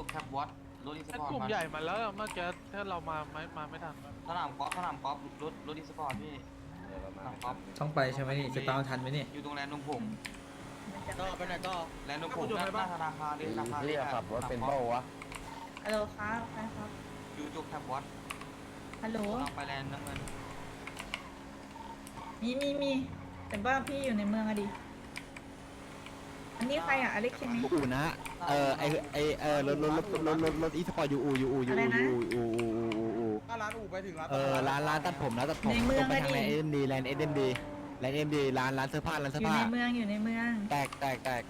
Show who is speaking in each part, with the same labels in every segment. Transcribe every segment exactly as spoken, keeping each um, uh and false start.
Speaker 1: กแคปวอตรถอีสปอร์ต
Speaker 2: กลุ่มใหญ่มาแล้วเมื่อกี้ถ้าเรามาไม่มาไม่ทัน
Speaker 1: สนามกอล์ฟสนามกอล์ฟรถรถอีสปอร์ตพี่สนามกอล์ฟ
Speaker 3: ต้องไปใช่ไหมนี่จะตามทันไหมนี่
Speaker 1: อยู่ตรงแลนด์นมผง
Speaker 4: ก็ไปไหนก็
Speaker 1: แลนด์นมผงหน้าธนาคารเลยธนาคาร
Speaker 5: เรียกขับรถเป็นเบ้าวะ
Speaker 6: ฮัลโหลครับใครครับ
Speaker 1: อยู่จุกแคปวอต
Speaker 6: ฮัลโหล
Speaker 1: ลองไปแลนด์น้ำเงิน
Speaker 6: มีมีมีแต่ว่าพี่อยู่ในเมืองอะดิอันนี้ใครอะอเล็กใช่ไหม
Speaker 5: อู่นะเออไอไอเออรถรถรถรถรถรถอีสปอร์ตยูอูยูอูยูอูยูอูอูอูอู
Speaker 4: ร้านอู่ไปถึงร้าน
Speaker 5: เออร้านร้านตัดผมนะตัดผมตรงไปทางแลนด์เอ็มดีแลนด์เอ็มดีแลนด์เอ็มดีร้านร้านเสื้อผ้าร้าน
Speaker 6: อ
Speaker 5: เสื้อยู่ ผ้า
Speaker 6: ในเมืองอยู่ในเมือง
Speaker 5: แตกแตกแตก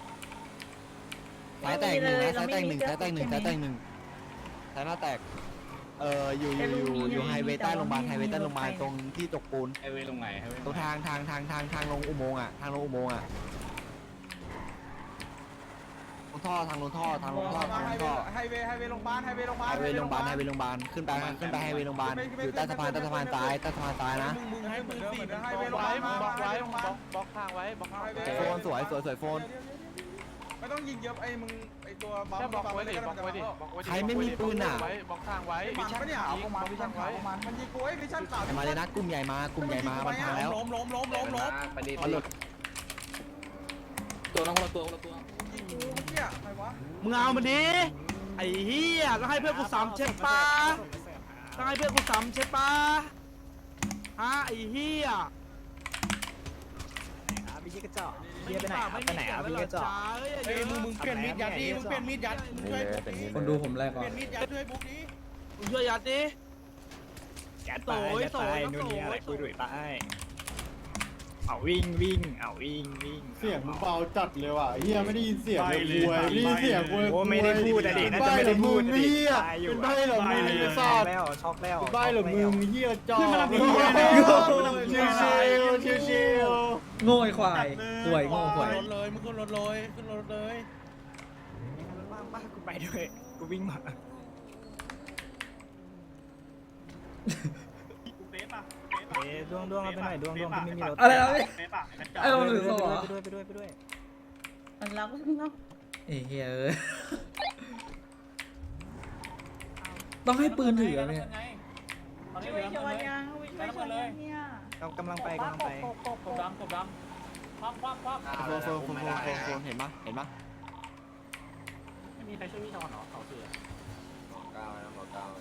Speaker 5: สายแตกหนึ่งนะสายแตกหนึ่งสายแตกหนึ่งสายแตกหนึ่งสายหน้าแตกเอออยู่อยู่อยู่อยู่ไฮเวย์ใต้โรงพยาบาลไฮเวย์ใต้โรงพยาบาลตรงที่ตกปูน
Speaker 7: ไฮเวย์ลงไหนไฮเวย์
Speaker 5: ตรงทางทางทางทางทางลงอุโมงค์อ่ะทางลงอุโมงค์อ่ะลงท่อทางลงท่อทางลงท่อทางลงท่อ
Speaker 4: ไฮเวย์ไฮเวย์โรงพยาบาลไฮเวย์โรงพยาบาล
Speaker 5: ไฮเวย์โรงพยาบาลไฮเวย์โรงพยาบาลขึ้นไปขึ้นไปไฮเวย์โรงพยาบาลอยู่ใต้สะพานใต้สะพานซ้ายใต้สะพานซ้ายนะ
Speaker 4: มึงมึงให้มึงสี่ไฮ
Speaker 2: บ
Speaker 4: เว
Speaker 2: ล็อ
Speaker 4: ย์
Speaker 2: ก
Speaker 4: โรงพยา
Speaker 2: ไว้
Speaker 4: บาล
Speaker 2: บล็อกไว้
Speaker 4: โรงพยา
Speaker 2: บล็
Speaker 4: บา
Speaker 2: อ
Speaker 4: ล
Speaker 2: กบล็อกทางไว้บล็อกทางไว้
Speaker 5: โฟนสวยสวยสวยโฟน
Speaker 4: ไม่ต้องยิงเยอะไอ้มึงไอ้ตัวบัม
Speaker 2: แค่บล็อกไว้ดิบล็อกไว้ดิบล็อกไว้ดิ
Speaker 5: ใครไม่มีปืนอ่ะ
Speaker 2: บล็อกทางไว้
Speaker 4: วิชั่นขาวประมาณวิชั่นขาวประมาณมันยิงกูไอ้วิชั่นขาว
Speaker 5: มาเลยนะกลุ่มใหญ่มากลุ่มใหญ่มาบันทางแล้ว
Speaker 4: ล้มล้มล้มล้มล้ม
Speaker 7: ไปดี
Speaker 5: เอาหลุด
Speaker 7: ตัวน้องคนละตัวคนละตัว
Speaker 4: ยิงกูเหี้ยใครวะ
Speaker 8: มึงเอามันดิไอ้เหี้ยต้องให้เพื่อนกูซ้ำใช่ปะต้องให้เพื่อนกูซ้ำใช่ปะฮะไอ้เหี้ยพี่กระจอกเหี้ยไปไหนไปไหนอ่ะพี่กระจอก
Speaker 4: เฮ้ยมึงมึงเปลี่ยนมีดยัดดิมึงเปลี่ยนมีดยัดมึงช่วยบุ๊กดิ
Speaker 3: คนดูผมแรก
Speaker 4: เป
Speaker 3: ก่อ
Speaker 4: ลี่ย
Speaker 3: น
Speaker 4: นมีดยัดช่วยบุ๊กดิ
Speaker 8: มึงช่วยยัดดิ
Speaker 9: ยัดไปยัดไปนู่นนี่อะไรคุยด้วยไปเอาวิ่งวิ่งเอาวิ่งวิ่ง
Speaker 10: เสียงมึงเบาจัดเลยว่ะเฮียไม่ได้ยินเสียงเลยคุยไม่ได้ยินเสียงคุย
Speaker 9: โอ้ไม่ได้พูดอะดิน่าจะไม่ได้พูด
Speaker 10: เฮียเป็นใบเหรอมึงไอ้สัตว์
Speaker 9: แล้วช็อกแล้ว
Speaker 10: เป็นใบเหรอมึงเฮียจอชิวชิวชิว
Speaker 3: โง่ไอ้ควายป่วยโง่ควาย
Speaker 4: รถเลยมึงขึ้นรถเลยขึ้นรถเลย
Speaker 9: บ้างบ้างกูไปด้วยกูวิ่งมา เอ๊ะดวงดวงเอาไปหน่อยดวงดวงที่ไม่มีรถ
Speaker 3: อะไรนะพี่ไอ้เราถือศพเหรอ
Speaker 9: ไปด้วยไปด้วยไปด้วย
Speaker 6: มันรักเนาะ
Speaker 3: เอ้ยเฮ้ยเอ้ยต้องให้ปืนถือเนี่ย
Speaker 6: ช่วยชวนยังช่วยชวนยังเนี่ย
Speaker 9: เรากำลังไปกำลังไป
Speaker 7: กบดำกบดำคว่ำคว่ำคว่ำ
Speaker 5: โฟนโฟนโฟนโฟนโฟนเห็นปะเห็นปะ
Speaker 7: ไม่มีใครช่วยพี่ชอนหรอเขาเสือ
Speaker 5: เก้านะหมอเก้า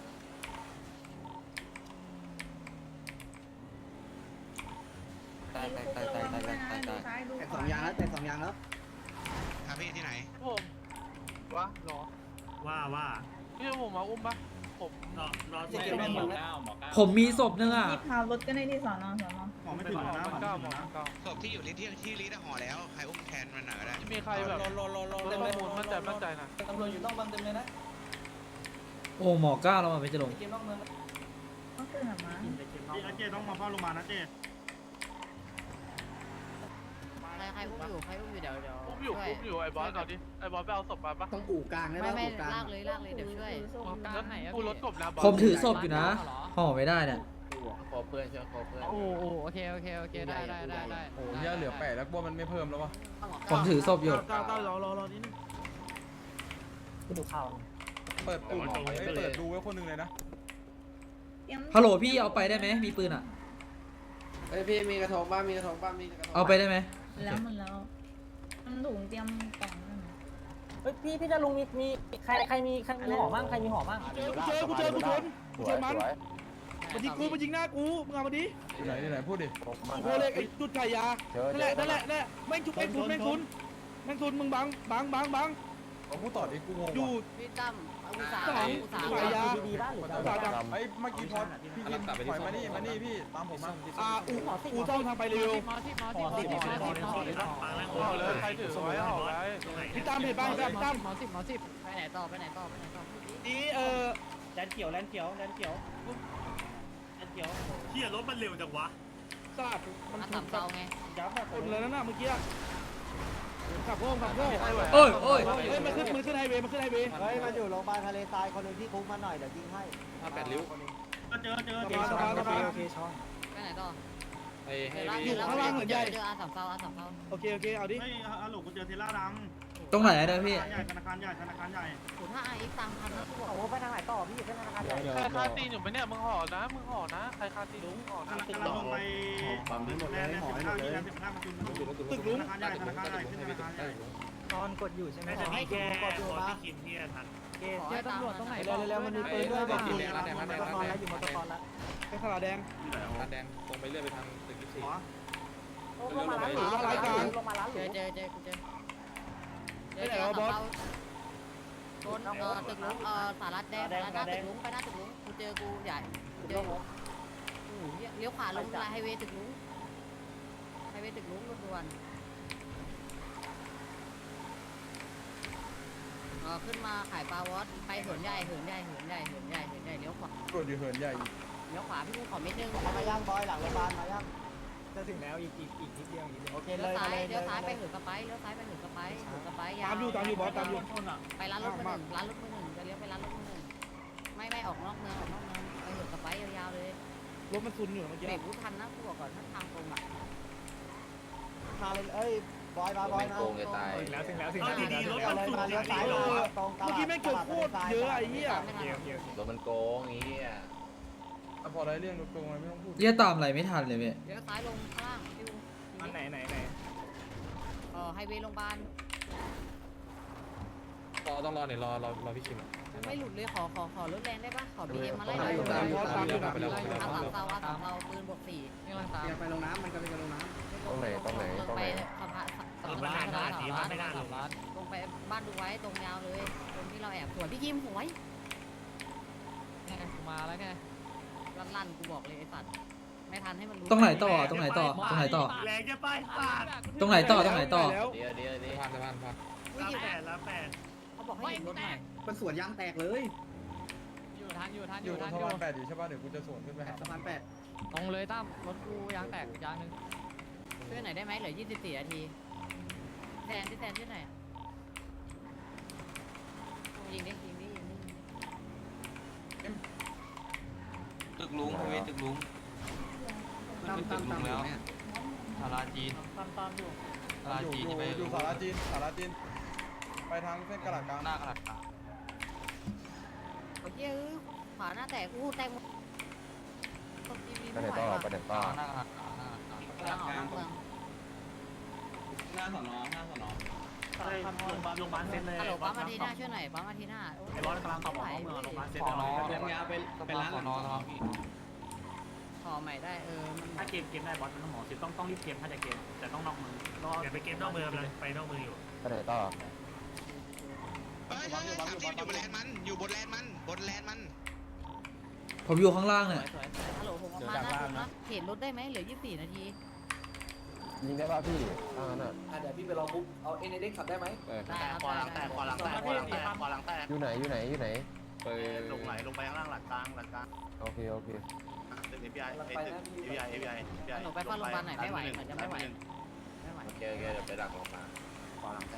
Speaker 5: ตายตายตายตายตายตายตาย
Speaker 6: ซ้ายดู
Speaker 4: แต่สองยางแล้วแต่สองยางแล้ว
Speaker 1: ครับพี่ที่ไหน
Speaker 2: ผมวะหรอ
Speaker 9: ว่าว่า
Speaker 2: พี่ผมมาอุ้มปะผม
Speaker 9: รอรอ
Speaker 7: หมอเก้าหมอเก้า
Speaker 3: ผมมีศพนึงอ่ะ
Speaker 6: ที่พาวรถก็ได้ที่สอนอสอนอ
Speaker 4: หมอไม่
Speaker 2: ไม่
Speaker 4: ถึง
Speaker 2: หมอ
Speaker 4: นะ
Speaker 2: มันเก้าหมอเก้า
Speaker 1: ศพที่อยู่ที่ที่ที่ลิตห่อแล้วใครอุ้มแทนมันหน่อยก็ได้
Speaker 2: มีใครแบบ
Speaker 4: รอรอรอรอ
Speaker 2: ข้อมูลมั่นใจมั่นใจนะ
Speaker 4: ตำรวจอยู่นอกบังเต็มเลยนะ
Speaker 3: โอ้หมอก้าเรามาไปจะลง
Speaker 4: เกมนอกเมือง
Speaker 6: ก็คือหามา
Speaker 4: เจต้องมาเฝ้าโรงพยาบาลนะเจ
Speaker 11: ใครใครอุ้มอยู่ใครอุ้มอยู่เดี๋ยวเดี๋ยว
Speaker 2: อุ้มอยู่อุ้มอยู่ไอ้บอสหน่อยดิไอ้บอสไปเอาศพมาปะ
Speaker 4: ต้องอู่กลางได้
Speaker 11: ไม่
Speaker 4: ป่ะ
Speaker 11: ไม่
Speaker 4: อู่กลาง
Speaker 11: ลากเลยลากเลยเดี๋ยวช่วย
Speaker 2: แล้วกูรถกบนะบอส
Speaker 3: ผมถือศพอยู่นะห่อไม่ได้เนี่ย
Speaker 7: ขอเพื่อนเชื่อขอเพื่อน
Speaker 11: โอ้โหโอเคโอเคโอเคได้ได้ได้ได้
Speaker 7: โอ้ยเหลือแปดแล้วว่ามันไม่เพิ่มแล้ววะ
Speaker 3: ผมถือศพอยู่
Speaker 8: เก้าเก้ารอรอรอนิดนึง
Speaker 9: ดูข่าว
Speaker 7: เปิดปุ่มเปิดดูไว้คนหนึ่งเลยนะ
Speaker 3: ฮัลโหลพี่เอาไปได้ไหมมีปืนอ่ะ
Speaker 4: เฮ้ยพี่มีกระทงบ้างมีกระทงบ้างมีกระทง
Speaker 3: เอาไปได้ไหม
Speaker 6: แล้วมันแล้วมันถุงเตรียมกล่องนั่น
Speaker 9: เฮ้ยพี่พี่จะลุงมีมีใครใครมีใครมีหอมั่งใครมีหอมั่ง
Speaker 8: เจอกูเจอกูเจอกูชนกูชนมันมันยิงกูมันยิงหน้ากูมึงเอามาดิ
Speaker 7: ที่ไหนที่ไหนพูดดิ
Speaker 8: โคเล็กไอ้จุดไก่ยานั่นแหละนั่นแหละนั่นแหละแม่งชุบแม่งทุนแม่งทุนแม่งทุนมึงบังบังบังบัง
Speaker 7: ผมพูดต่อดิกูงง
Speaker 8: อยู่
Speaker 11: พี่ตั้มเอาอุตสาห์
Speaker 8: สอง
Speaker 11: อุตสาห์
Speaker 8: ขายยา
Speaker 9: ดีบ้านหรือ
Speaker 8: อุตสาหกรรม
Speaker 7: ไอ้เมื่อกี้พอพี่กินถอยมานี่มานี่พี่ตามผมมา
Speaker 8: อ่าอูอูต้องทางไปเร็ว
Speaker 11: หมอที่หมอที่หมอที่หมอที่หมอที่หมอที่
Speaker 2: เอาเลยใครถือไว้เอาไว้
Speaker 8: พี่ตามเห็นบ้างพี่ตาม
Speaker 11: หมอสิบหมอสิบไปไหนต่อไปไหนต่อไปไหนต่อ
Speaker 8: นี่เออ
Speaker 9: แลนเขียวแลนเขียวแลนเขียวแลนเขียวเที่ยรถมันเร็วจังวะ
Speaker 8: สาดมัน
Speaker 11: มา
Speaker 8: ถู
Speaker 11: ต่ำ
Speaker 8: ก
Speaker 11: เตาไง
Speaker 9: ยับแบบ
Speaker 8: คนเลยนั่นน่ะเมื่อกี้ขับโค้งขับโค้ง
Speaker 3: โอ้ยโอ้ย
Speaker 8: เฮ้ยมันขึ้นมันขึ้นไฮเวย์มันขึ้นไฮเวย์
Speaker 4: เฮ้ยมาอยู่โรงพยาบาลทะเลทรายคนหนึ่งที่คุกมาหน่อยเดี๋ยวยิงให้
Speaker 7: ห้าแปดริ้ว
Speaker 9: ก็เจอเจอเจอโอเคโอเคช่อง
Speaker 11: ไปไหนต่อ
Speaker 7: ไอ้ให้
Speaker 11: เดี๋ยวเดี๋ยวเดี๋ยวเดี๋ยวอาสามเตาอาสามเตา
Speaker 8: โอเคโอเคเอาดิ
Speaker 9: เฮ้ยฮัลโหลกูเจอเทล่าดำ
Speaker 3: ตรงไหนอะเนี่ยพี่
Speaker 4: ธนาคารใหญ่ธนาคารใหญ่
Speaker 11: ศูนย์ห้าไอ้ตังค์พันนะกูบอก
Speaker 7: โอ้ไปทางไหนต่อพี่เป็นธนาคารใหญ่
Speaker 2: ใครคาตีนอยู่ไหมเนี่ยมึงห่อนะมึงห่อนะใครคาตีนมึงห่อ
Speaker 4: ธ
Speaker 2: นะ
Speaker 4: นาคารลงไปปั๊มนี้หมดเลยหอยหมดเลยสิบห้ามาจุนตึกลุงธนาคารใหญ่ธนาคารใหญ่ขึ้นธนาคารใหญ่
Speaker 7: ตอนกดอยู่ใช่ไหม
Speaker 11: ขอให้
Speaker 7: แกกดอยู่ปะเกเจอตำรวจตรงไหนเร็วๆมันมีปืนด้วยบอกอยู่มอเตอร์คอนแล้วอยู่มอเตอร์คอนแล้ว
Speaker 4: แค่ขาวแดง
Speaker 1: ร้านแดงตรงไปเรื่อยไปทางตึกยี่สิบสี่
Speaker 7: ลงมาร้านหรูลงมาร้านหรูลงมาร้านห
Speaker 11: เจ
Speaker 7: รู
Speaker 11: อเจอเจอกูเจอเจอเจอของเราโดนเอ่อตึกลุงเอ่อสารัดแดงสารัดหน้าตึกลุงไปหน้าตึกลุงกูเจอกูใหญ่เจอโอ้โหเลี้ยวขวาลงไฮเวย์ตึกลุงไฮเวย์ตึกลุงรถด่วนเออขึ้นมาขายปลาวอสไปเหินใหญ่เหินใหญ่เหินใหญ่เหินใหญ่เหินใหญ่เลี้ยวขวา
Speaker 4: กดอยู่เหินใหญ่
Speaker 11: เลี้ยวขวาพี่กูขอเม็ดนึง
Speaker 7: มาย่างบอยหลังโรงพยาบาลมาย่างจะถึงแล้วอีกอีกอีกนิดเดียวอีกนิดเดียวโอเค
Speaker 11: เลี้
Speaker 7: เลย ยว
Speaker 11: ซ้าย
Speaker 7: เลย
Speaker 11: เลี้ยวซ้ายไปเหินกระไปเลี้ยวซ้ายไปเหินกระไปเหินกระไปยาว
Speaker 4: ตามอยู่ตามอยู่บอสตามอยู่
Speaker 11: ไปร้านรถมือหนึ่งร้านรถมือหนึ่งจะเลี้ยวไปร้านรถมือหนึ่งไม่ไม่ออกนอกเมืองออกนอกเมืองไปเหินกระไปยาวๆเลย
Speaker 4: รถมันซุนอยู่เมื่อกี้
Speaker 11: เบรกรู้ทันนะกูบอกก่อนถ้าทางตรงอ่ะ
Speaker 7: มาเลยเอ้ยบอยมาบอยมา
Speaker 9: ถึงแล้วถึงแล้วถึงแล้ว
Speaker 7: ดีๆรถมันเลยมาเลี้ยวซ้ายเลยตรงตลาด
Speaker 4: เมื่อกี้แม่งเกิดโคตรเยอะไอ้เหี้ย
Speaker 11: ไม่ทัน
Speaker 1: รถมันโกงอย่างเงี้ย
Speaker 4: พอได้เรื่องรถโกงไม่ต้องพูด
Speaker 3: เรียกตามอะไรไม่ทันเลยพี่
Speaker 11: เลี้ยวซ้ายลงข้างล่างฟิว
Speaker 9: อันไหนไหนไหน
Speaker 11: เออไฮเวย์โรงพยาบาล
Speaker 1: รอต้องรอเนี่ยรอรอรอพี่คิม
Speaker 11: ไม่หลุดเลยขอขอขอรถแรงได้ปะขอบีเอ็มมาไล่
Speaker 4: ตามอยู่ตามอยู่ตามอยู่ตามอยู่
Speaker 11: อาสามเตาอาสามเตาปืนบวกสี่นี่กำลังตาม
Speaker 4: ไปลงน้ำมันก็ไปลงน้ำ
Speaker 1: ตรงไหนตรงไหน
Speaker 11: ลง
Speaker 1: ตรง
Speaker 11: ไป
Speaker 1: ไหน
Speaker 11: สะพานสะพานสะพานสามล้านสามล้านลงไปบ้านดูไว้ตรงยาวเลยตรงที่เราแอบสวยพี่คิมหวยไงกูมาแล้วไงลั่นๆกูบอกเลยไอ้สัตว์ไม่ทันให้มันรู้
Speaker 3: ตรงไหนต่อตรงไหนต่อตรงไหนต่อ
Speaker 7: แรงจะไปปาด
Speaker 3: ตรงไหนต่อตรงไหนต่อ
Speaker 1: เดี๋ยวเดี๋ยวเดี๋ยวผ่านผ่านผ่าน
Speaker 11: อุ้ย
Speaker 7: แปดแล้วแปด
Speaker 11: เขาบอกให้หยุดรถหน่อย
Speaker 4: มันสวนยางแตกเลย
Speaker 11: อยู่ทันอยู่ทัน
Speaker 4: อ
Speaker 11: อยู่ ยู่
Speaker 4: ตร
Speaker 11: ทั
Speaker 4: ง
Speaker 11: น
Speaker 4: สะ
Speaker 11: อยู่
Speaker 4: พานแปดอยู่ใช่ป่ะเดี๋ยวกูจะสวนขึ้นไปหาสะพานแปด
Speaker 11: ตรงเลยตั้มรถกูยางแตกยางนึงช่วยหน่อยได้ไหมเหลือยี่สิบสี่นาทีแทนที่แทนช่วยหน่อยยิงดิยิงดิยิงดิ
Speaker 1: ตึกลุงไฮเวย์ตึกลุงมันเป็นตึกลุงแล้วสาราจีน
Speaker 7: ตามตามอยู่
Speaker 1: สารา
Speaker 4: อยู่
Speaker 1: จีน
Speaker 4: อยู่
Speaker 1: จะไป
Speaker 4: อยู่สาราจีนสาราจีนไปทางเส้นกระดาษกลาง
Speaker 1: หน้ากระดาษกลาง
Speaker 11: โอ้ยเอ้ยขวาหน้าแตกอู้แตกหมดไป
Speaker 1: ไหนต่อไปไหนต่อหน้ากระดาษกลางหน้ากระดาษกลาง
Speaker 11: กลางออกนอกเมือง
Speaker 1: หน้าสอนอหน้าสอนอ
Speaker 7: โรงพยาบาลโรงพยาบาลเซ็นเลย
Speaker 11: ฮัลโหลปั๊มอาทีหน้าช่วยหน่อยปั๊มอาทีหน้า
Speaker 7: ไอ้บอสกำลังขับออกเมืองโรงพยาบาลเซ็น
Speaker 1: สอนอ
Speaker 7: เลย
Speaker 1: เป็นยาเป็นเป็นร้านสอนอทองพี่
Speaker 11: ขอใหม่ได้เออมัน
Speaker 7: ถ้าเกมเกมได้บอสมันต้องหมอสิต้องต้องรีบเกมถ้าจะเกมแต่ต้องนอกมืออย่าไปเกมนอกมือเลยไปนอกมืออยู่
Speaker 1: ไปไหนต่อ
Speaker 5: เฮ้ยสามสิบอยู่บนแลนมันอยู่บนแลนมันบนแลนมัน
Speaker 3: ผมอยู่ข้างล่างเนี่ย
Speaker 11: สวยๆฮัลโหลผมออกมาหน้าผมนะเห็นรถได้ไหมเหลือยี่สิบสี่นาที
Speaker 1: ยิงได้ป่ะพี่ถ้างั้นอ่ะ
Speaker 10: เดี๋ยวพี่ไปรอปุ๊บเอาเอ็นเอ็กขับได้ไหม
Speaker 11: ได้ครับ
Speaker 7: ขวาหลังแตกขวาหลังแตกขวาหลังแตกขวาหลังแตก
Speaker 1: อยู่ไหนอยู่ไหนอยู่ไหนไป
Speaker 7: ลงไหลลงไปข้างล่างหลังกลางหลังกลาง
Speaker 1: โอเคโอเค
Speaker 7: ตึก เอ พี ไอ ไอ้ตึก เอ พี ไอ เอ พี ไอ
Speaker 11: หนูไปเฝ้าโรงพยาบาลหน่อยไม่ไหวเหมือนจะไม่ไหวไม่ไหว
Speaker 1: โอเคโอเคเดี๋ยวไปดักลงมา
Speaker 7: ขวาหลังแตก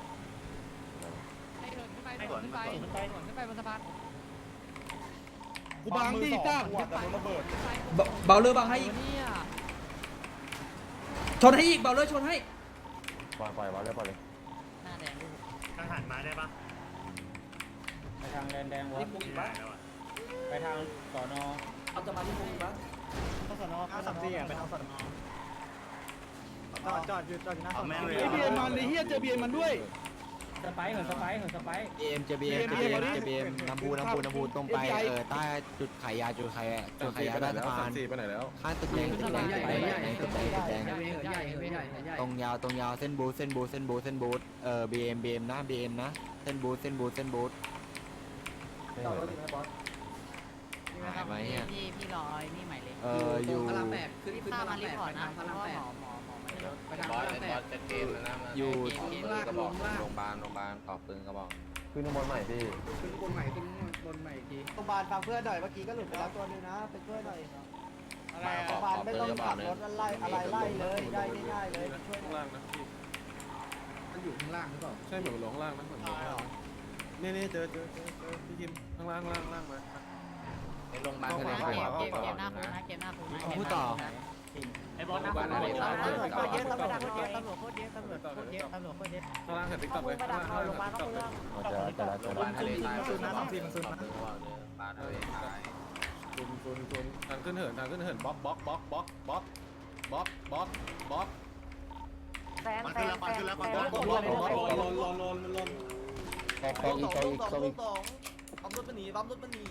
Speaker 11: ให้เดินขึ้นไปเดินขึ้นไปเดินขึ้นไปบนสะพาน
Speaker 4: กูบังดิจ้าหัวแต่โดนระเบิด
Speaker 3: เบเบาเลอร์บังให้อีก
Speaker 11: เนี่ย
Speaker 3: ชนให้อีกเบาเลอร์ชนให้
Speaker 1: ปล่อยปล่อยวางเลยปล่อยเลย
Speaker 11: หน้าแดงดู
Speaker 7: ทหารมาได้ปะ
Speaker 9: ไปทางแดนแดงวะ
Speaker 7: ไม่ได้แล้วอ่ะ
Speaker 9: ไปทางสอนอ
Speaker 10: เอาจะมาที่มุมบ้าง
Speaker 7: ข้าสนอข้าสนอไปทางสนอ
Speaker 8: จอดจอดอยู่จอดอยู่หน้าสอนอ
Speaker 4: ไอ้เบียร์มันไอ้เหี้ยเจอเบียร์มันด้วย
Speaker 9: สไปเหินสไปเหินสไป
Speaker 5: เอ็มเจบีเอ็มเจบีเอ็มเจบีเอ็มน้ำพูน้ำพูน้ำพูตรงไปเออใต้จุดขายยาจุดขายจุดขายยาใต้สะพาน
Speaker 1: ไปไหนแล้ว
Speaker 5: ข้างตึกแดงตึกแดงตึกแดงตึกแดงตึกแดง
Speaker 11: ใหญ่ใหญ่ใหญ่
Speaker 5: ตรงยาวตรงยาวเส้นบูทเส้นบูทเส้นบูทเส้นบูทเอ่อบีเอ็มบีเอ็มนะบีเอ็มนะเส้นบูทเส้นบูทเส้นบูท
Speaker 1: ไม่
Speaker 10: จอด
Speaker 1: เห็
Speaker 10: รถ
Speaker 1: น
Speaker 10: ถึงไหมบอส
Speaker 5: หายไปเนี่ย
Speaker 11: พี่พี่รอนี่ใหม่เลย
Speaker 5: เอ่ออยู่
Speaker 10: พระรามแปดขึ้น
Speaker 11: พี่
Speaker 10: ขึ้น
Speaker 11: พา
Speaker 10: พระ
Speaker 11: มาร
Speaker 10: าม
Speaker 11: รี
Speaker 10: แปด
Speaker 11: พอร์ต
Speaker 10: ไป
Speaker 11: นะ
Speaker 10: ทาง
Speaker 11: เพ
Speaker 10: พระ
Speaker 11: ราะ
Speaker 10: ราม
Speaker 11: ว่า
Speaker 10: แป
Speaker 11: ห
Speaker 10: ด
Speaker 11: มอหมอหมอไม่ได้
Speaker 10: ไปทาง
Speaker 1: บ
Speaker 10: พ
Speaker 1: อ
Speaker 10: ระ
Speaker 1: ส
Speaker 10: รามแป
Speaker 1: บอ
Speaker 10: ด
Speaker 1: สจะเกมแล้วนะ
Speaker 5: อยู่
Speaker 1: ปืนกระบอกโรงพยาบาลโรงพยาบาลต่อปืนกระบอกขึ้นข้างบนใหม่พี่
Speaker 10: ขึ้นบนใหม่ขึ้นบนใหม่อีกที
Speaker 7: โรงพยาบาลฟังเพื่อนหน่อยเมื่อกี้ก็หลุดไปแล้วตัวนึงนะไปช่วยหน่อย
Speaker 1: มาขอ
Speaker 7: โรงพยาบาล
Speaker 1: ขอ
Speaker 7: ไม่
Speaker 1: ปืน
Speaker 7: ต้อง
Speaker 1: กระบอ
Speaker 7: ขั
Speaker 1: ก
Speaker 7: บ
Speaker 1: นึง
Speaker 7: รถอะไรอะไรไล่เลยได้ง่ายๆเลยช่วยหน่อย
Speaker 10: มันอยู่ข้างล่างหรือเปล่า
Speaker 4: ใช่เหมือนลงล่างนะเหมือนลงล่างนี่นี่เจอเจอเจอเจอพี่คิมข้างล่างล่างล่างมา
Speaker 1: ในโรงพยาบาล
Speaker 11: เก
Speaker 1: แส
Speaker 11: ม
Speaker 1: ดง
Speaker 11: เก
Speaker 1: ว่าม
Speaker 11: เกม
Speaker 1: ขอ
Speaker 11: เกมหน้า
Speaker 1: ปื
Speaker 11: คุณ
Speaker 1: น
Speaker 11: นะเกมหน้าคุณนะ
Speaker 5: พูดต่อ
Speaker 7: ไอ้บอลนะตำรวจเยอะตำรวจเยอะตำรวจเยอะตำรวจโคตรเยอะตำรวจโคตรเยอะตำรวจโคตรเยอะ
Speaker 8: ข้างล่างเห็นติ๊กต็อก
Speaker 7: มึ
Speaker 8: เล
Speaker 7: ง
Speaker 8: ย
Speaker 7: ไปดักเอาลงมาเข้าเมือง
Speaker 5: เจอเจอเจอ
Speaker 10: บ้านทะเลทรายซุนนะสองสี่มันซุนนะ
Speaker 1: บ้านทะเลทราย
Speaker 8: ซุนซุนซุนทางขึ้นเหินทางขึ้นเหินบล็อกบล็อกบล็อกบล็อกบล็อกบล็อกบล็อกบล็อก
Speaker 7: แซนแซนแซนแซน
Speaker 10: ลนลนลนลนลนลน
Speaker 5: โคอีกโคอีกโคอีก
Speaker 10: ปั๊มรถมันหนีปั๊มรถมันหนี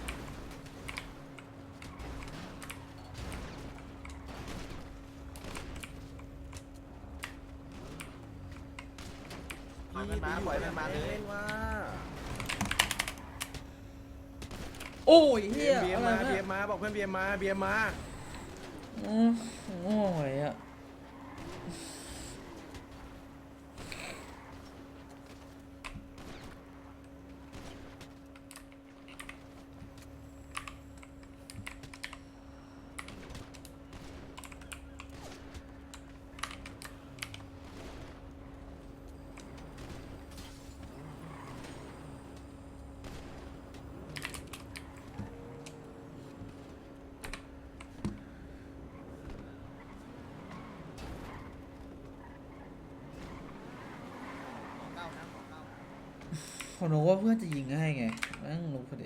Speaker 8: ปล่อยมันมาปล่อยมันมาเลยว่า
Speaker 3: โอ้ย
Speaker 8: เบี
Speaker 3: เฮี
Speaker 8: ย
Speaker 3: ย
Speaker 8: มเบียม
Speaker 3: อะไร
Speaker 8: มาเบี
Speaker 3: เนี่ย
Speaker 8: มมาบอกเพื่อนเบียมมาเบียมมา
Speaker 3: อืมโอ้ยอะผมรู้ว่าเพื่อนจะยิงให้ไงแม่งรู้พอดี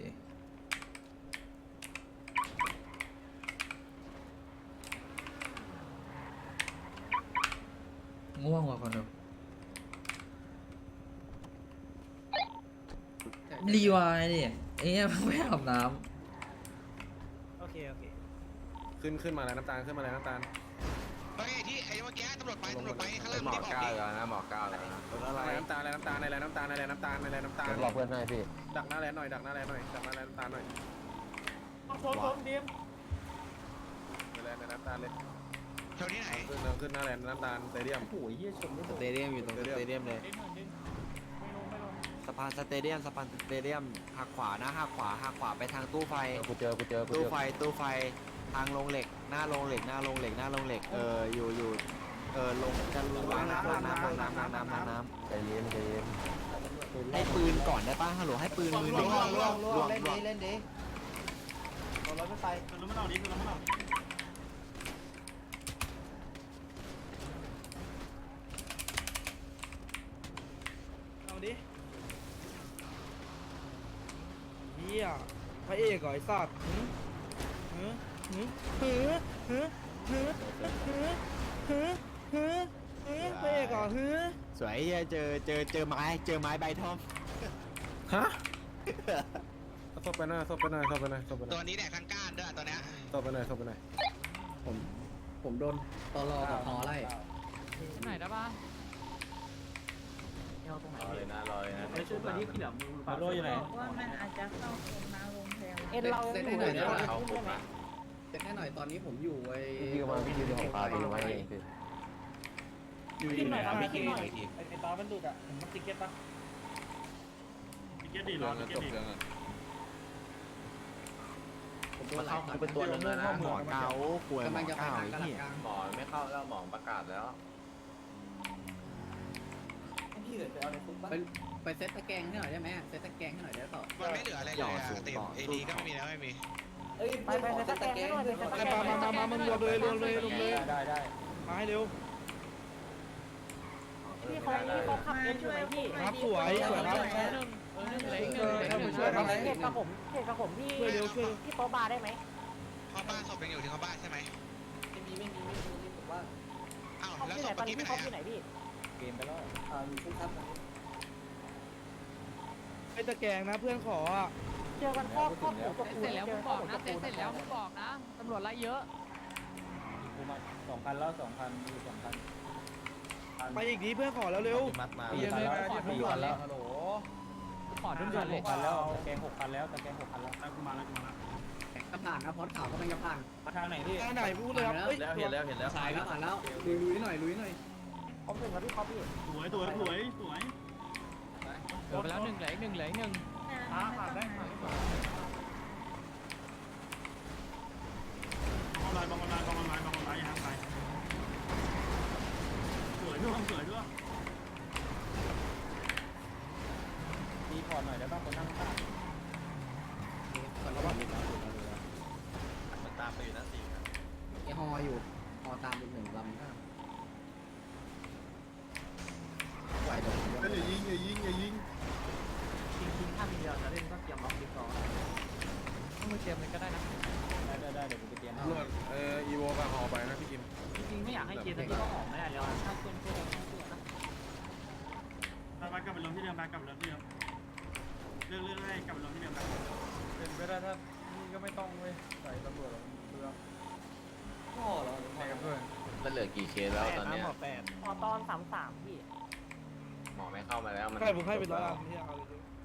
Speaker 3: ง่วงว่ะคนดูรีวายดิไอ้เนี่ยไม่อาบน้
Speaker 7: โอเคโอเค
Speaker 8: ขึ้นขึ้นมาแล้วน้ำตาลขึ้นมาแล้วน้ำตาล
Speaker 1: เฮ้ยที่ไอ้เมื่อกี้ตำรวจไปตำรวจไปข้างล่าง
Speaker 5: หมอ
Speaker 1: ที่บอก
Speaker 5: ก้าว
Speaker 1: ดิ
Speaker 5: แล้วนะหมอก้าวแล้วนะ
Speaker 8: อะไรน้ำตาลอะไรน้ำตาลอะไรน้ำตาลอะไรน้ำตาลอะไรน้ำตาล
Speaker 5: เดี๋ยวบอกเพื่อนให้พี่
Speaker 8: ดักหน้าแลนหน่อยดักหน้าแลนหน่อยดักหน้าแลนน้ำตาลหน่อย
Speaker 7: โซนโซนดีม
Speaker 8: แลนน้ำตาลเลย
Speaker 1: แถวที่ไหน
Speaker 8: ขึ้นขึ้นหน้าแลนน้ำตาลสเตเดียม
Speaker 10: โอ้ยเฮียชนไม่
Speaker 5: ส
Speaker 10: โดน
Speaker 5: เตเดียมอยู่ตรงสเตเดียมเลย
Speaker 7: ไม่ลงไม่ลง
Speaker 5: สะพานสเตเดียมสะพานสเตเดียมหักขวานะหักขวาหักขวาไปทางตู้ไฟกูเจอกูเจอตู้ไฟตู้ไฟทางลงเหล็กหน้าลงเหล็กหน้าลงเหล็กหน้าลงเหล็กเอออยู่อยู่เออลงจะลงน้ำน้ำน้ำน้ำน้ำน้ำน้ำน้ำใจเย็นใจเย็นให้ปืนก่อนได้ป่ะฮัลโหลให้ปืนมือหนึ่งล่วงล่วงเล่นดิเล่นดิ
Speaker 10: รถไม่ไป
Speaker 4: คือเราไม่เอาดิคือเราไม่เอา
Speaker 8: เอาดิเฮียพระเอกเหรอไอ้สัตว์หือหือหือหือหือหือหือหือหือพระเอกเหรอหือสวยเฮียเจอเจอเจอไม้เจอไม้ใบทอมฮะซบไปหน่อยซบไปหน่อยซบไปหน่อยซบไปหน่
Speaker 1: ตั
Speaker 8: อ
Speaker 1: วย นี้แดกทั้งก้านด้วยตัวเนี้ย
Speaker 8: ซบไปหน่อยซบไปหน่อย
Speaker 10: ผมผมโดนตลอกับพอไล่
Speaker 11: ไหนได้ป่ะ
Speaker 7: เอาตรงไหน
Speaker 5: รอเลยนะรอเลยนะ
Speaker 10: ไม่ช่วยมาที่พี่เหลือมือปาโรอยู่ไหน
Speaker 6: บอกว่ามันอาจจะเข้าโรงน้ำโรงแรม
Speaker 7: เอ็นเรา
Speaker 10: เซ็ต
Speaker 7: อ
Speaker 10: ให้
Speaker 7: ยู่
Speaker 10: หน่อย
Speaker 7: ใน
Speaker 10: ได้
Speaker 7: ร
Speaker 10: ไหม
Speaker 7: ถใช่ไหม
Speaker 10: เซ็ตให้หน่อยตอนนี้ผมอยู่ไอ้
Speaker 5: พี่มาพี่ยืนของปลาไปดูไว้เองพี่
Speaker 10: อยู่
Speaker 7: ขึ้นหน่อยครับ
Speaker 10: ไม่
Speaker 7: ขึ้นหน่อย
Speaker 10: ไอ้ตามันดุดอ่ะผมมันติเก็ตปะ
Speaker 4: ติเก็ตดีรอติเก็ตดี
Speaker 10: ผมโดนเข้าเป็นตัวลงเลยนะ
Speaker 5: หมอเกาป่วยหม
Speaker 10: กำลั
Speaker 5: อง
Speaker 10: จะไป
Speaker 5: เกา
Speaker 10: ทางกระ
Speaker 5: เหี้ย
Speaker 10: กลาง
Speaker 5: หมอไม่เข้าแล้วหมอประกาศแล้ว
Speaker 10: ไปไปเซ็ตตะแกรงให้หน่อยได้ไหมเซ็ตตะแกรงให้หน่อยได้ต่อ
Speaker 1: มันไม่เหลืออะไรเลยอะเต็มเอดีก็ไม่มีแล้วไม่มี
Speaker 7: ไปไปไปตะแกรงให้หน่อยไปตะแกรง
Speaker 8: มามามามันรวมเลยรวมเลยรวมเลย
Speaker 10: ได้ได้
Speaker 8: มาให้เร็ว
Speaker 7: พี่เขาพี่เขาขับ
Speaker 6: มา
Speaker 7: เอ็นอ
Speaker 6: ช่
Speaker 7: ยู่
Speaker 6: วย
Speaker 7: ไหนพี่
Speaker 8: ครับสวยสวยครับ
Speaker 11: เออหนึ่งเหลืออีกหนึ่งเหลืออีกหนึ่ง
Speaker 8: ช่วยครับ
Speaker 7: เขตกับผมเขตกับผมพี่
Speaker 8: ช่วยเร็วช่วย
Speaker 7: พี่โต๊ะบาร์ได้ไหม
Speaker 1: พ่อบ้านศพยังอยู่ที่เขาบ้านใช่ไหม
Speaker 10: ไม่มีไม่มีไม่มีนี่ผมว่า
Speaker 1: อ้าว
Speaker 7: เขา
Speaker 1: แล้ว
Speaker 7: ที่
Speaker 1: ศ
Speaker 7: ไหน
Speaker 1: พ
Speaker 7: ตอน
Speaker 1: เมื่อ
Speaker 7: นี้
Speaker 1: กี้ไป
Speaker 7: พี่
Speaker 1: ไหน
Speaker 7: เขาที่ไหนพี่
Speaker 10: เกมไปแล้วอ่าอยู่ช่วงทับ
Speaker 8: ไอ้ตะแกรงนะเพื่อนขออ่ะ
Speaker 7: เจอกันข้อข้อหมูตะปู
Speaker 11: เสร็จแล้ว
Speaker 7: เจ
Speaker 11: มึ
Speaker 7: อง ข้
Speaker 11: บ
Speaker 7: อ
Speaker 11: อ
Speaker 7: ห
Speaker 11: ก
Speaker 7: มู
Speaker 11: นะ
Speaker 7: ตะ
Speaker 11: เสร็
Speaker 7: ปู
Speaker 11: จแล้วมึงบอกนะตำรวจไล่เยอะ
Speaker 10: กูมาสองพันแล้วสองพันมีสองพัน
Speaker 8: ไปอีกทีเพื่อนขอแล้วเร็ว
Speaker 5: มัดมา
Speaker 8: เย็นเลยมาเย็น
Speaker 10: สี่
Speaker 8: ก่
Speaker 10: พั
Speaker 8: อน
Speaker 10: นแล้วฮัลโหล
Speaker 11: ขอทุ่ม
Speaker 10: ห
Speaker 11: เลย
Speaker 10: กพันแล้วตะแกรงหกพันแล้วตะแกรงหกพันแล้ว
Speaker 4: กูมาแล้วกูมาแล้ว
Speaker 10: กระผ่านนะพอดข่าวก็เป็นกระผ่านทางไหนพี่
Speaker 8: ทางไหนพูดเลยครับเฮ้ย
Speaker 10: แล้วเห็นแล้วเห็นแล้วสายแล้วผ่านแล้วลุยลุยหน่อยลุยหน่อย
Speaker 7: ผมถึงกับพี่เขาพี่
Speaker 4: สวยสวยสวยสวย
Speaker 11: เหลือไปแล้วหนึ่งเหลืออีกหนึ่งเหลืออีกหนึ่ง
Speaker 6: อ่าผ่านได้
Speaker 4: บอลลายบอลลายบอลลายบอลลายยังไงสวยด้วยสวยด้วย
Speaker 10: มีพอร์ตหน่อยได้ป่ะคนนั่งข้างก่อนระหว่างนี้
Speaker 5: มันตามไปอยู่นะสี่ครับ
Speaker 10: ไอฮออยู่อตามอีกหนึ่งลำนะ
Speaker 5: ไหวเดี๋ยว
Speaker 4: อย่ายิงอย่ายิงอย่ายิง
Speaker 7: จริงๆถ้ามีเดียวจะเล่นก็เตรียมล็อกดีก่อน
Speaker 2: ต้องไปเตรียมเลยก็ได้นะ
Speaker 10: ได้ได้ได้เดี๋ยวกูไปเตรียม
Speaker 4: ตำรวจเอ่ออีโวกับหอไปนะพี่กิม
Speaker 7: จริงๆไม่อยากให้เกียร์ตะกี้ก็หอมไม่ได้แล้วถ้าเพื่อนเพื่อนเพื่อนนะ
Speaker 4: ไปกลับไปลงที่เดิมไปกลับไปลงที่เดิมเรื่องเรื่องให้กลับไปลงที่เดิมไป
Speaker 10: เป็นไปได้ถ้านี่ก็ไม่ต้องเว้ยใส่ตำรวจเพื่อพ่อเหรอใส่กันเพื่อน
Speaker 1: มันเหลือกี่เคสแล้วตอนเนี้ย
Speaker 8: หมอแปด
Speaker 7: พอตอนสามสามพี่
Speaker 1: หมอไม่เข้ามาแล้วมัน
Speaker 8: ใครผมให้เป็นร้อยล้านที่เอาเลย